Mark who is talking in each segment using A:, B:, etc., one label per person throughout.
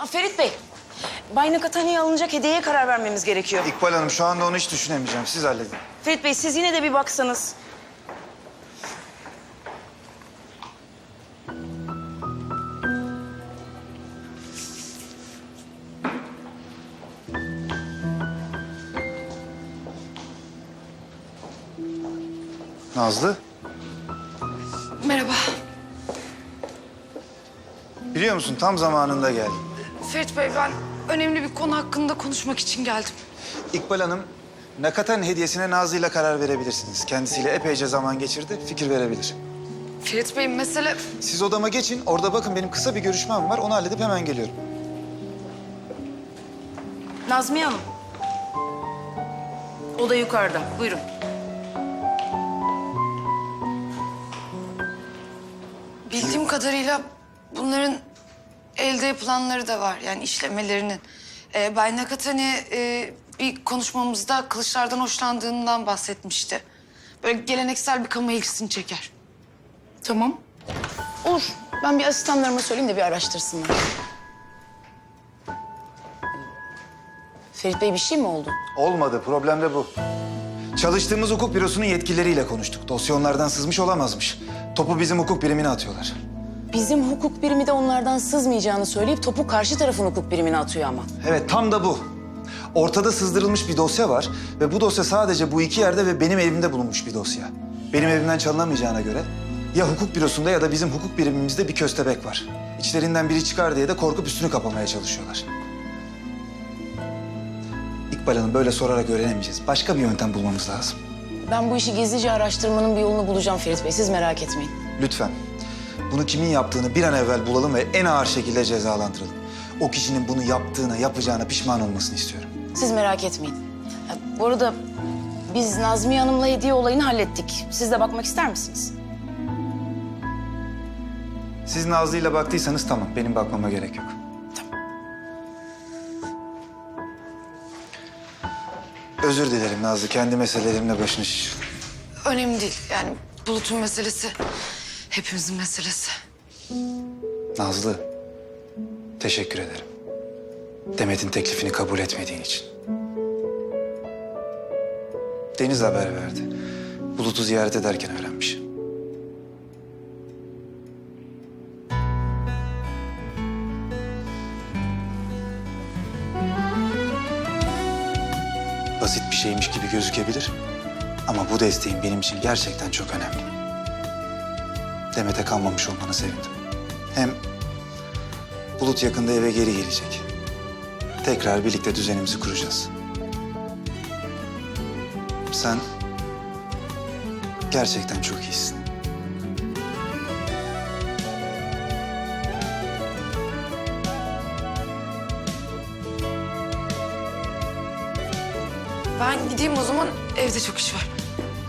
A: Ferit Bey, Bay Nakatani'ye alınacak hediyeye karar vermemiz gerekiyor.
B: İkbal Hanım şu anda onu hiç düşünemeyeceğim. Siz halledin.
A: Ferit Bey, siz yine de bir baksanız.
B: Nazlı,
C: Merhaba.
B: biliyor musun tam zamanında geldin.
C: Ferit Bey, ben önemli bir konu hakkında konuşmak için geldim.
B: İkbal Hanım, Nakatani hediyesine Nazlı ile karar verebilirsiniz. Kendisiyle epeyce zaman geçirdi, fikir verebilir.
C: Ferit Bey, mesele...
B: Siz odama geçin, orada bakın benim kısa bir görüşmem var. Onu halledip hemen geliyorum.
A: Nazmiye Hanım. O da yukarıda. Buyurun.
C: Bildiğim kadarıyla bunların elde yapılanları da var. Yani işlemelerinin. Bay Nakatani bir konuşmamızda kılıçlardan hoşlandığından bahsetmişti. Böyle geleneksel bir kamu ilgisini çeker.
A: Tamam. Olur. Ben bir asistanlarıma söyleyeyim de bir araştırsınlar. Ferit Bey, bir şey mi oldu?
B: Olmadı, problem de bu. Çalıştığımız hukuk bürosunun yetkilileriyle konuştuk. Dosya onlardan sızmış olamazmış. Topu bizim hukuk birimine atıyorlar.
A: Bizim hukuk birimi de onlardan sızmayacağını söyleyip topu karşı tarafın hukuk birimine atıyor ama.
B: Evet, tam da bu. Ortada sızdırılmış bir dosya var ve bu dosya sadece bu iki yerde ve benim evimde bulunmuş bir dosya. Benim evimden çalınamayacağına göre ya hukuk bürosunda ya da bizim hukuk birimimizde bir köstebek var. İçlerinden biri çıkar diye de korkup üstünü kapamaya çalışıyorlar. İkbal Hanım, böyle sorarak öğrenemeyeceğiz. Başka bir yöntem bulmamız lazım.
A: Ben bu işi gizlice araştırmanın bir yolunu bulacağım Ferit Bey. Siz merak etmeyin.
B: Lütfen. Bunu kimin yaptığını bir an evvel bulalım ve en ağır şekilde cezalandıralım. O kişinin bunu yaptığına, yapacağına pişman olmasını istiyorum.
A: Siz merak etmeyin. Bu arada biz Nazmiye Hanım'la hediye olayını hallettik. Siz de bakmak ister misiniz?
B: Siz Nazlı'yla baktıysanız tamam, benim bakmama gerek yok. Özür dilerim Nazlı, kendi meselelerimle başını şiş.
C: Önemli değil. Yani Bulut'un meselesi hepimizin meselesi.
B: Nazlı, teşekkür ederim. Demet'in teklifini kabul etmediğin için. Deniz haber verdi. Bulut'u ziyaret ederken öğrenmiş. Basit bir şeymiş gibi gözükebilir. Ama bu desteğin benim için gerçekten çok önemli. Demet'e kalmamış olmana sevindim. Hem Bulut yakında eve geri gelecek. Tekrar birlikte düzenimizi kuracağız. Sen gerçekten çok iyisin.
C: Ben gideyim o zaman. Evde çok iş var.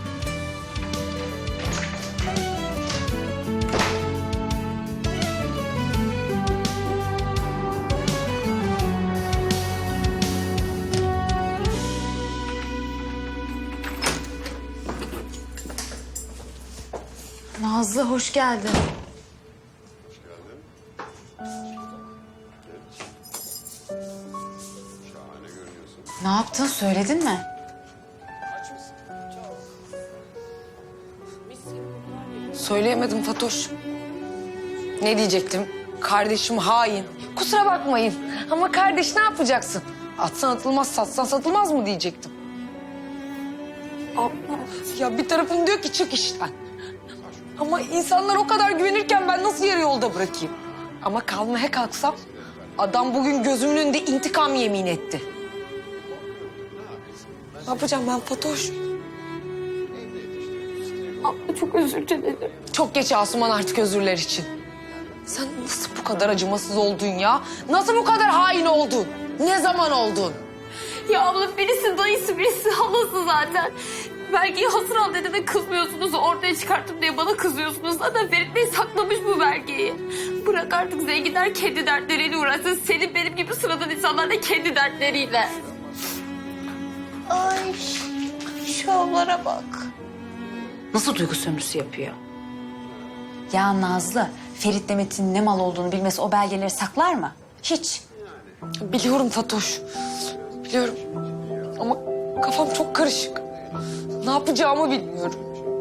D: Nazlı, hoş geldin. Ne yaptın, söyledin mi?
C: Söyleyemedim Fatoş. Ne diyecektim? Kardeşim hain. Kusura bakmayın ama kardeş ne yapacaksın? Atsan atılmaz, satsan satılmaz mı diyecektim. Abla. Ya bir tarafım diyor ki çık işten. Ama insanlar o kadar güvenirken ben nasıl yarı yolda bırakayım? Ama kalmaya kalksam adam bugün gözümün önünde intikam yemin etti. Ne yapacağım ben Fatoş?
D: Abla çok özür dilerim.
C: Çok geç Asuman artık özürler için. Sen nasıl bu kadar acımasız oldun ya? Nasıl bu kadar hain oldun? Ne zaman oldun?
D: Ya abla birisi dayısı, birisi halası zaten. Belgeyi hasır al dedi de kızmıyorsunuz. Ortaya çıkarttım diye bana kızıyorsunuz. Zaten Ferit Bey saklamış bu belgeyi. Bırak artık zenginler kendi dertleriyle uğraşsın. Senin benim gibi sıradan insanlar da kendi dertleriyle. Ay şu avlara bak.
E: Nasıl duygu sömürüsü yapıyor? Ya Nazlı, Ferit Demet'in ne mal olduğunu bilmesi o belgeleri saklar mı? Hiç.
C: Biliyorum Fatoş. Biliyorum. Ama kafam çok karışık. Ne yapacağımı bilmiyorum.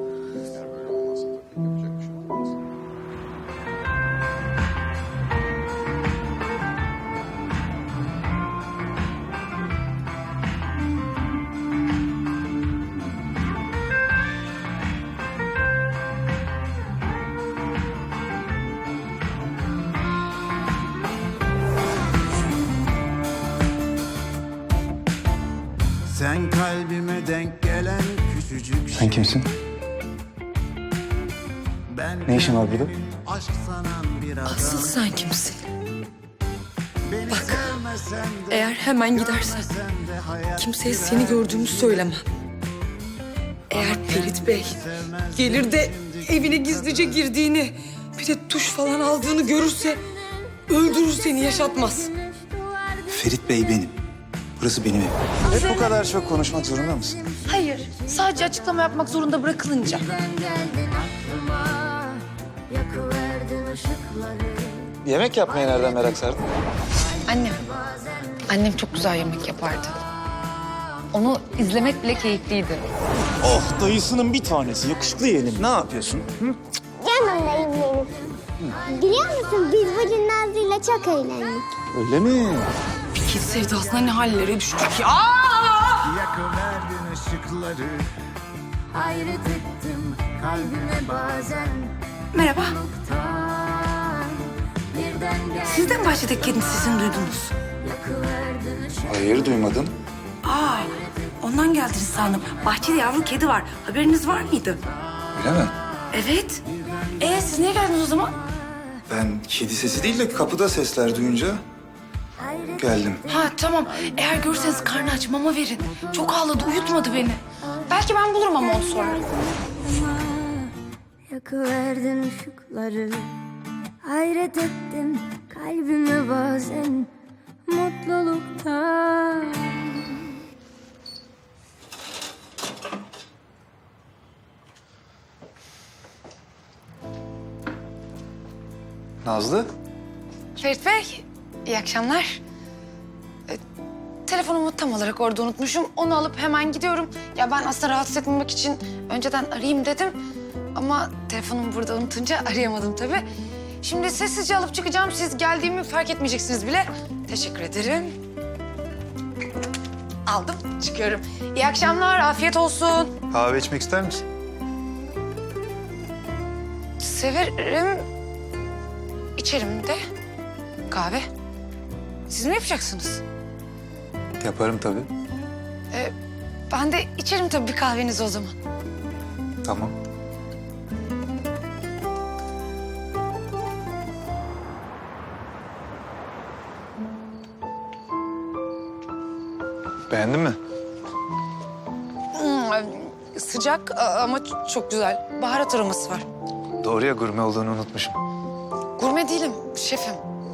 F: Sen kalbime denk gelen küçücük
B: Sen kimsin?
F: Ben
B: Ne işin var burada?
F: aşk sanan bir adam.
C: Asıl sen kimsin?
F: Beni
C: Bak,
F: sevmesen de,
C: eğer hemen gidersen
F: sevmesen de hayat
C: kimseye seni gördüğümü söylemem. Eğer Ferit Bey gelir de evine gizlice girdiğini, bir de tuş falan aldığını görürse öldürür seni, yaşatmaz.
B: Ferit Bey benim. Burası benim evim. Hep bu kadar çok konuşmak zorunda mısın?
A: Hayır, sadece açıklama yapmak zorunda bırakılınca.
G: Geldin aklıma, yakıverdin ışıkları.
B: Yemek yapmaya nereden merak sardın?
A: Annem. Annem çok güzel yemek yapardı. Onu izlemek bile keyifliydi.
H: Oh dayısının bir tanesi yakışıklı yeğenim.
B: Ne yapıyorsun?
G: Yanımdayım benim. Biliyor musun biz bugün Nazlı'yla çok eğlendik.
B: Öyle mi?
C: Fikir sevdasına ne hallere düştük ya.
F: yakıverdin ışıkları.
G: Hayret ettim kalbime bazen.
E: Merhaba.
G: Noktan birden gel
E: Siz de mi bahçedeki kedinin sesini duydunuz?
G: yakıverdin ışıkları.
B: Hayır duymadım.
E: Aa, ondan geldiniz sandım. Bahçede yavru kedi var. Haberiniz var mıydı?
B: Öyle mi?
E: Evet.
A: Siz niye geldiniz o zaman?
B: Ben kedi sesi değil de kapıda sesler duyunca geldim.
A: Ha tamam. Eğer görürseniz karnı aç, mama verin. Çok ağladı, uyutmadı beni. Belki ben bulurum ama onu sonra.
G: Yakıverdin ışıkları. Hayret ettim kalbime bazen. Mutluluktan.
B: Nazlı?
C: Ferit Bey, iyi akşamlar. Telefonumu tam olarak orada unutmuşum. Onu alıp hemen gidiyorum. Ya ben aslında rahatsız etmemek için önceden arayayım dedim. Ama telefonumu burada unutunca arayamadım tabii. Şimdi sessizce alıp çıkacağım. Siz geldiğimi fark etmeyeceksiniz bile. Teşekkür ederim. Aldım, çıkıyorum. İyi akşamlar, afiyet olsun.
B: Kahve içmek ister misin?
C: Severim. İçerim de. Kahve. Siz mi yapacaksınız?
B: Yaparım tabii.
C: Ben de içerim tabii bir kahvenizi o zaman.
B: Tamam. Beğendin mi?
C: Sıcak ama çok güzel. Baharat aroması var.
B: Doğru ya, gurme olduğunu unutmuşum.
C: Gurme değilim, şefim.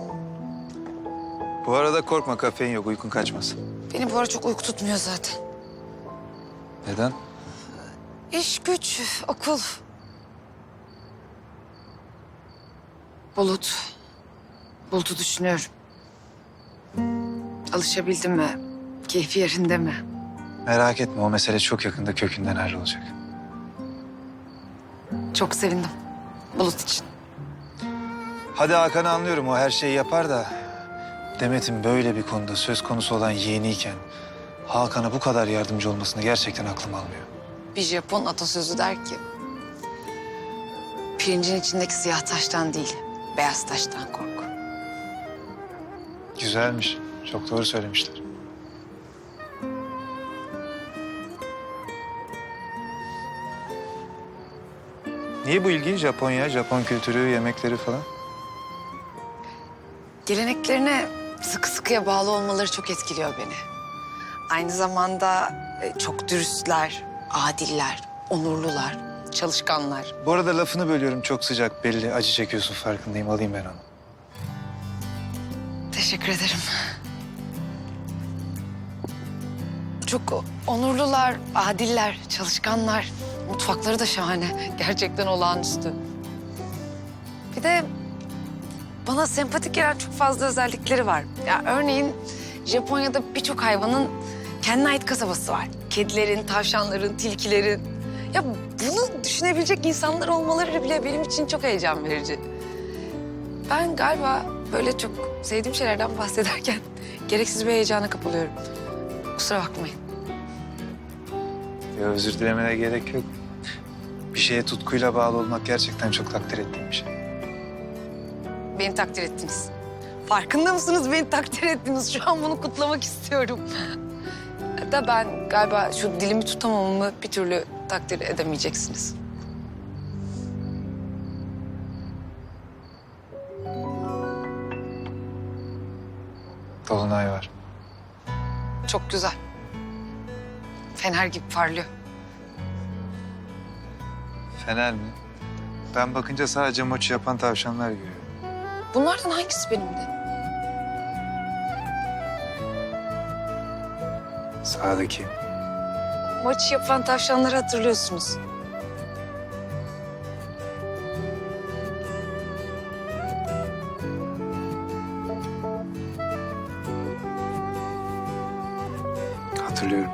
B: Bu arada korkma, kafein yok, uykun kaçmaz.
C: Beni bu ara çok uyku tutmuyor zaten.
B: Neden?
C: İş, güç, okul. Bulut'u düşünüyorum. Alışabildim mi? Keyfi yerinde mi?
B: Merak etme, o mesele çok yakında kökünden hallolacak.
C: Çok sevindim. Bulut için.
B: Hadi Hakan'ı anlıyorum, o her şeyi yapar da... Demet'in böyle bir konuda söz konusu olan yeğeniyken... Hakan'a bu kadar yardımcı olmasını gerçekten aklım almıyor.
C: Bir Japon atasözü der ki... Pirincin içindeki siyah taştan değil, beyaz taştan kork.
B: Güzelmiş, çok doğru söylemişler. Niye bu ilgi? Japonya, Japon kültürü, yemekleri falan?
C: Geleneklerine sıkı sıkıya bağlı olmaları çok etkiliyor beni. Aynı zamanda çok dürüstler, adiller, onurlular, çalışkanlar.
B: Bu arada lafını bölüyorum, çok sıcak belli. Acı çekiyorsun, farkındayım. Alayım ben onu.
C: Teşekkür ederim. Çok onurlular, adiller, çalışkanlar. Mutfakları da şahane. Gerçekten olağanüstü. Bir de bana sempatik gelen çok fazla özellikleri var. Ya örneğin Japonya'da birçok hayvanın kendine ait kasabası var. Kedilerin, tavşanların, tilkilerin. Ya bunu düşünebilecek insanlar olmaları bile benim için çok heyecan verici. Ben galiba böyle çok sevdiğim şeylerden bahsederken gereksiz bir heyecana kapılıyorum. Kusura bakmayın.
B: Ya özür dilemene gerek yok. Bir şeye tutkuyla bağlı olmak gerçekten çok takdir ettiğim bir şey.
C: Beni takdir ettiniz. Farkında mısınız beni takdir ettiniz? Şu an bunu kutlamak istiyorum. Da ben galiba şu dilimi tutamamamı bir türlü takdir edemeyeceksiniz.
B: Dolunay var.
C: Çok güzel. Fener gibi parlıyor.
B: Fener mi? Ben bakınca sadece moçi yapan tavşanlar görüyorum.
C: Bunlardan hangisi benimdi?
B: Sağdaki.
C: Maçı yapan tavşanları hatırlıyorsunuz.
B: Hatırlıyorum.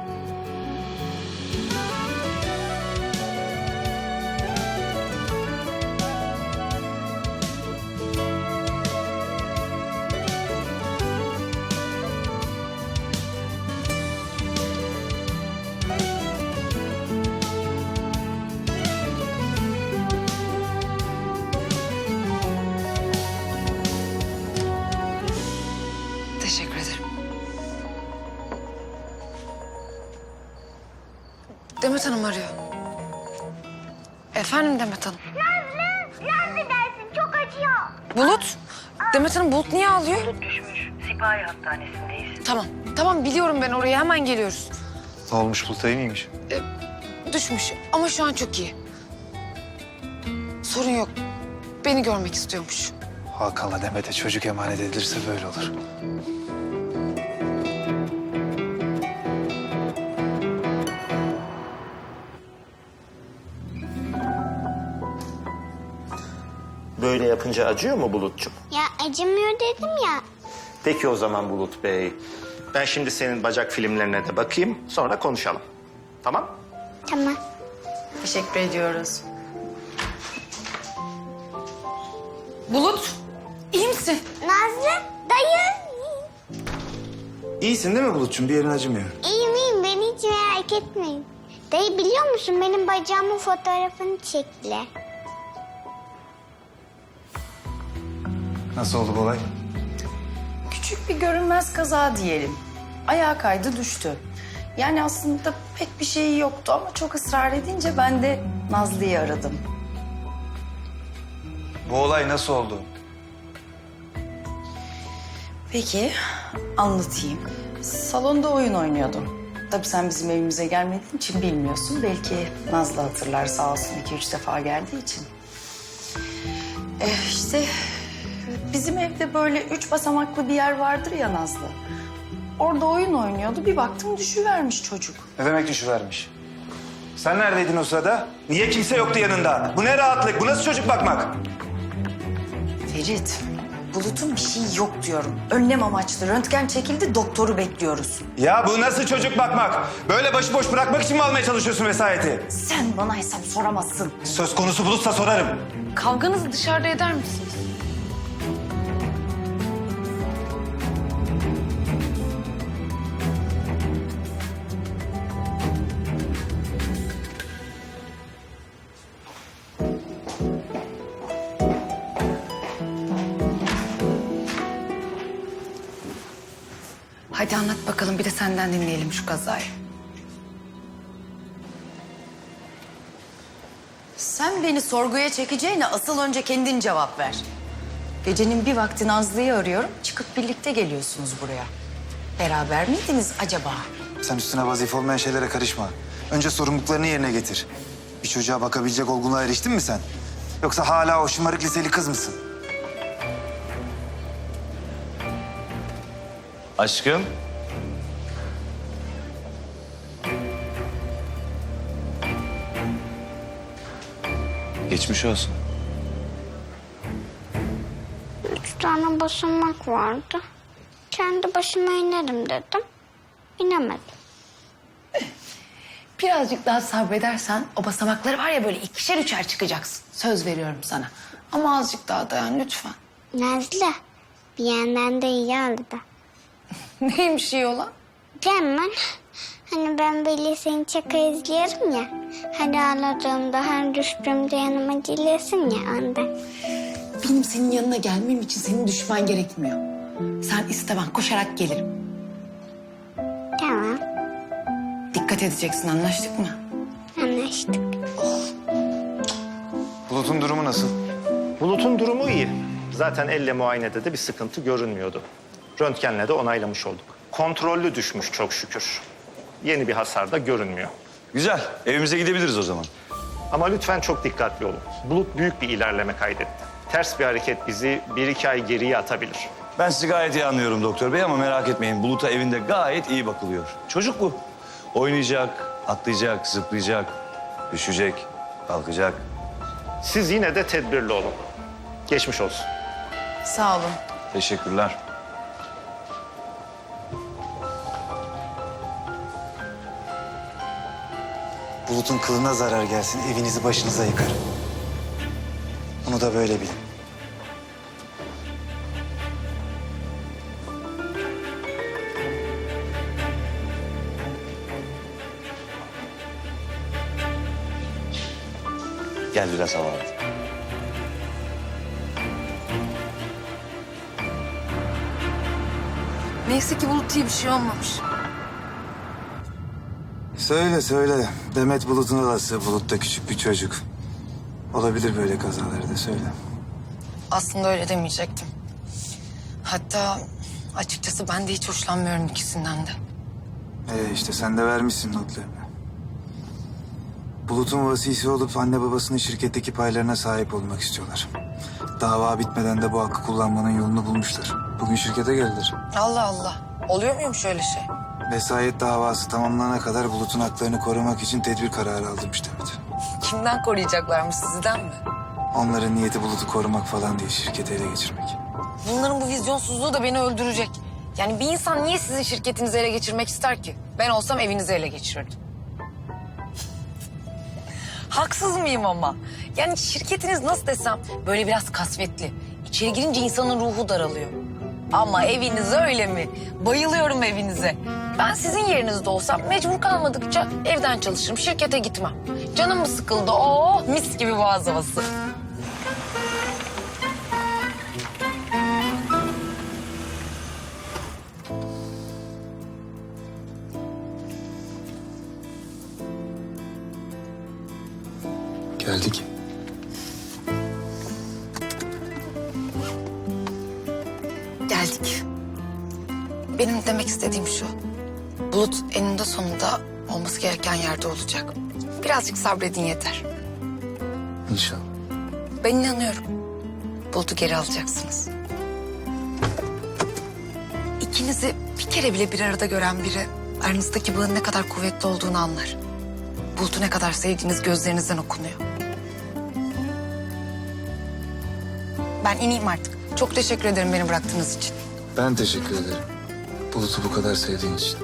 C: Teşekkür ederim. Demet Hanım arıyor. Efendim Demet Hanım.
G: Nazlı dersin çok acıyor.
C: Bulut. Demet Hanım Bulut niye ağlıyor?
I: Bulut düşmüş. Sipahi Hastanesi'ndeyiz.
C: Tamam biliyorum ben oraya hemen geliyoruz.
B: Ne olmuş Bulutay mıymış?
C: Düşmüş ama şu an çok iyi. Sorun yok. Beni görmek istiyormuş.
B: Hakan'la Demet'e çocuk emanet edilirse böyle olur.
J: Böyle yapınca acıyor mu Bulut'cum?
G: Ya acımıyor dedim ya.
J: Peki o zaman Bulut Bey. Ben şimdi senin bacak filmlerine de bakayım, sonra konuşalım. Tamam?
G: Tamam.
A: Teşekkür ediyoruz.
C: Bulut, iyi misin?
G: Nazlı dayı.
B: İyisin değil mi Bulut'cum? Bir yerin acımıyor.
G: İyiyim beni hiç merak etmeyin. Dayı biliyor musun benim bacağımın fotoğrafını çektiler.
B: Nasıl oldu bu olay?
A: Küçük bir görünmez kaza diyelim. Ayağa kaydı düştü. Yani aslında pek bir şeyi yoktu ama çok ısrar edince ben de Nazlı'yı aradım.
B: Bu olay nasıl oldu?
A: Peki, anlatayım. Salonda oyun oynuyordum. Tabii sen bizim evimize gelmediğin için bilmiyorsun. Belki Nazlı hatırlar sağ olsun 2-3 defa geldiği için. İşte bizim evde böyle 3 basamaklı bir yer vardır ya Nazlı. Orada oyun oynuyordu. Bir baktım düşüvermiş çocuk.
B: Ne demek düşüvermiş? Sen neredeydin o sırada? Niye kimse yoktu yanında? Bu ne rahatlık? Bu nasıl çocuk bakmak?
A: Ferit, Bulut'un bir şey yok diyorum. Önlem amaçlı röntgen çekildi, doktoru bekliyoruz.
B: Ya bu nasıl çocuk bakmak? Böyle başıboş bırakmak için mi almaya çalışıyorsun vesayeti?
A: Sen bana hesap soramazsın.
B: Söz konusu Bulut'sa sorarım.
C: Kavganızı dışarıda eder misiniz? Hadi anlat bakalım bir de senden dinleyelim şu kazayı.
A: Sen beni sorguya çekeceğine asıl önce kendin cevap ver. Gecenin bir vakti Nazlı'yı arıyorum, çıkıp birlikte geliyorsunuz buraya. Beraber miydiniz acaba?
B: Sen üstüne vazife olmayan şeylere karışma. Önce sorumluluklarını yerine getir. Bir çocuğa bakabilecek olgunluğa eriştin mi sen? Yoksa hala o şımarık liseli kız mısın?
J: Aşkım.
B: Geçmiş olsun.
G: tane basamak vardı. Kendi başıma inerim dedim. İnemedim.
A: Birazcık daha sabredersen o basamakları var ya böyle ikişer üçer çıkacaksın. Söz veriyorum sana. Ama azıcık daha dayan lütfen.
G: Nazlı, bir yandan da iyi oldu da.
A: Neymiş iyi olan?
G: Cemal, hani ben böyle seni çok izliyorum ya. Her ağladığımda, her düştüğümde yanıma geliyorsun ya ondan.
A: Benim senin yanına gelmem için senin düşman gerekmiyor. Sen iste ben koşarak gelirim.
G: Tamam,
A: Dikkat edeceksin anlaştık mı?
G: anlaştık.
B: Bulut'un durumu nasıl?
J: Bulut'un durumu iyi. Zaten elle muayenede de bir sıkıntı görünmüyordu. Röntgenle de onaylamış olduk. Kontrollü düşmüş çok şükür. Yeni bir hasar da görünmüyor.
K: Güzel. Evimize gidebiliriz o zaman.
J: Ama lütfen çok dikkatli olun. Bulut büyük bir ilerleme kaydetti. Ters bir hareket bizi 1-2 ay geriye atabilir.
K: Ben sizi gayet iyi anlıyorum doktor bey ama merak etmeyin. Bulut'a evinde gayet iyi bakılıyor. Çocuk bu. Oynayacak, atlayacak, zıplayacak, düşecek, kalkacak.
J: Siz yine de tedbirli olun. Geçmiş olsun.
A: Sağ olun.
K: Teşekkürler.
B: Bulut'un kılına zarar gelsin, evinizi başınıza yıkar. Bunu da böyle bilin.
K: Gel biraz hava al.
C: Neyse ki Bulut iyi bir şey olmamış.
B: Söyle söyle. Demet Bulut'un halası. Bulut da küçük bir çocuk. Olabilir böyle kazaları da söyle.
C: Aslında öyle demeyecektim. Hatta açıkçası ben de hiç hoşlanmıyorum ikisinden de.
B: İşte sen de vermişsin notlarını. Bulut'un vasisi olup anne babasının şirketteki paylarına sahip olmak istiyorlar. Dava bitmeden de bu hakkı kullanmanın yolunu bulmuşlar. Bugün şirkete geldiler.
C: Allah Allah. Oluyor muymuş öyle şey?
B: Vesayet davası tamamlanana kadar Bulut'un haklarını korumak için tedbir kararı aldırmış Demet.
C: Kimden koruyacaklarmış, sizden mi?
B: Onların niyeti Bulut'u korumak falan değil, şirketi ele geçirmek.
C: Bunların bu vizyonsuzluğu da beni öldürecek. Yani bir insan niye sizin şirketinizi ele geçirmek ister ki? Ben olsam evinizi ele geçirirdim. Haksız mıyım ama? Yani şirketiniz nasıl desem böyle biraz kasvetli. İçeri girince insanın ruhu daralıyor. Ama eviniz öyle mi? Bayılıyorum evinize. Ben sizin yerinizde olsam mecbur kalmadıkça evden çalışırım, şirkete gitmem. Canım mı sıkıldı? Oo, mis gibi boğaz havası.
B: Geldik.
C: Geldik. Benim demek istediğim şu. Bulut eninde sonunda olması gereken yerde olacak. Birazcık sabredin yeter.
B: İnşallah.
C: Ben inanıyorum. Bulut'u geri alacaksınız. İkinizi bir kere bile bir arada gören biri aranızdaki bağın ne kadar kuvvetli olduğunu anlar. Bulut'u ne kadar sevdiğiniz gözlerinizden okunuyor. Ben ineyim artık. Çok teşekkür ederim beni bıraktığınız için.
B: Ben teşekkür ederim. Bulut'u bu kadar sevdiğin için.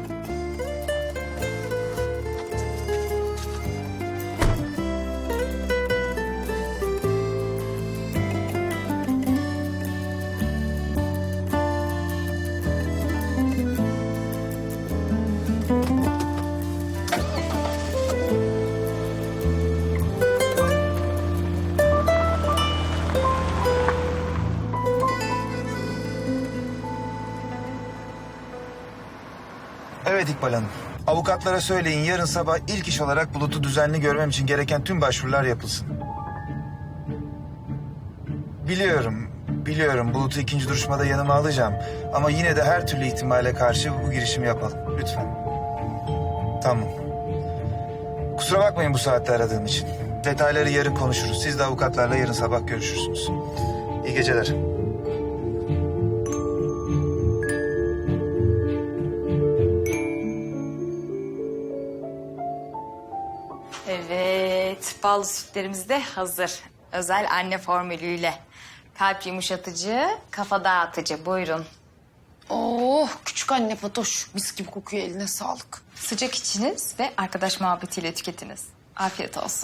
B: Evet İkbal Hanım. Avukatlara söyleyin yarın sabah ilk iş olarak Bulut'u düzenli görmem için gereken tüm başvurular yapılsın. Biliyorum Bulut'u ikinci duruşmada yanıma alacağım. Ama yine de her türlü ihtimale karşı bu girişimi yapalım. Lütfen. Tamam. Kusura bakmayın bu saatte aradığım için. Detayları yarın konuşuruz. Siz de avukatlarla yarın sabah görüşürsünüz. İyi geceler.
E: Evet, ballı sütlerimiz de hazır. Özel anne formülüyle.
A: Kalp yumuşatıcı, kafa dağıtıcı. Buyurun.
C: Oh küçük anne Fatoş. Mis gibi kokuyor, eline sağlık.
A: Sıcak içiniz ve arkadaş muhabbetiyle tüketiniz. Afiyet olsun.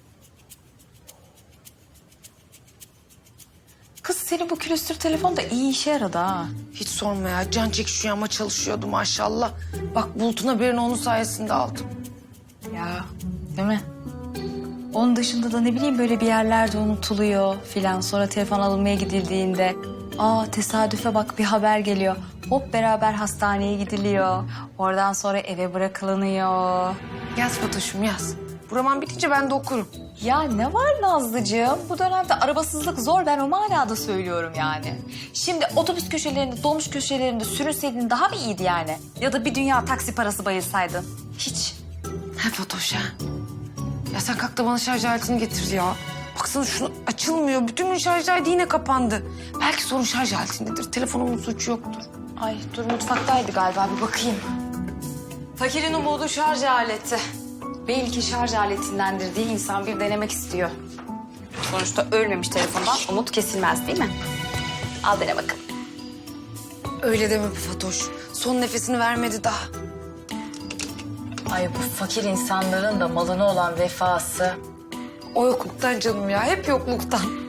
A: Kız senin bu külüstür telefon da iyi işe yaradı ha.
C: Hiç sorma ya, can çekişiyor ama çalışıyordu maşallah. Bak Bulut'un haberini onun sayesinde aldım.
A: Ya değil mi? Onun dışında da ne bileyim böyle bir yerlerde unutuluyor filan. Sonra telefon alınmaya gidildiğinde tesadüfe bak bir haber geliyor. Hop beraber hastaneye gidiliyor. Oradan sonra eve bırakılınıyor.
C: Yaz Fatoş'um yaz. Bu roman bitince ben de okurum.
A: Ya ne var Nazlıcığım? Bu dönemde arabasızlık zor. Ben o manada söylüyorum yani. Şimdi otobüs köşelerinde, dolmuş köşelerinde sürünseydin daha mı iyiydi yani? Ya da bir dünya taksi parası bayılsaydın. Hiç.
C: He Fatoş ha. Ya sen kalk da bana şarj aletini getir ya. Baksana şunu açılmıyor. Bütün gün şarj aleti yine kapandı. Belki sorun şarj aletindedir. Telefonumun suçu yoktur.
A: Ay dur mutfaktaydı galiba bir bakayım. Fakirin umudu şarj aleti. Belki şarj aletindendir diye insan bir denemek istiyor. Sonuçta ölmemiş telefondan umut kesilmez değil mi? Al dene bakın.
C: Öyle deme be Fatoş. Son nefesini vermedi daha.
A: Ay bu fakir insanların da malına olan vefası.
C: O yokluktan canım ya. Hep yokluktan.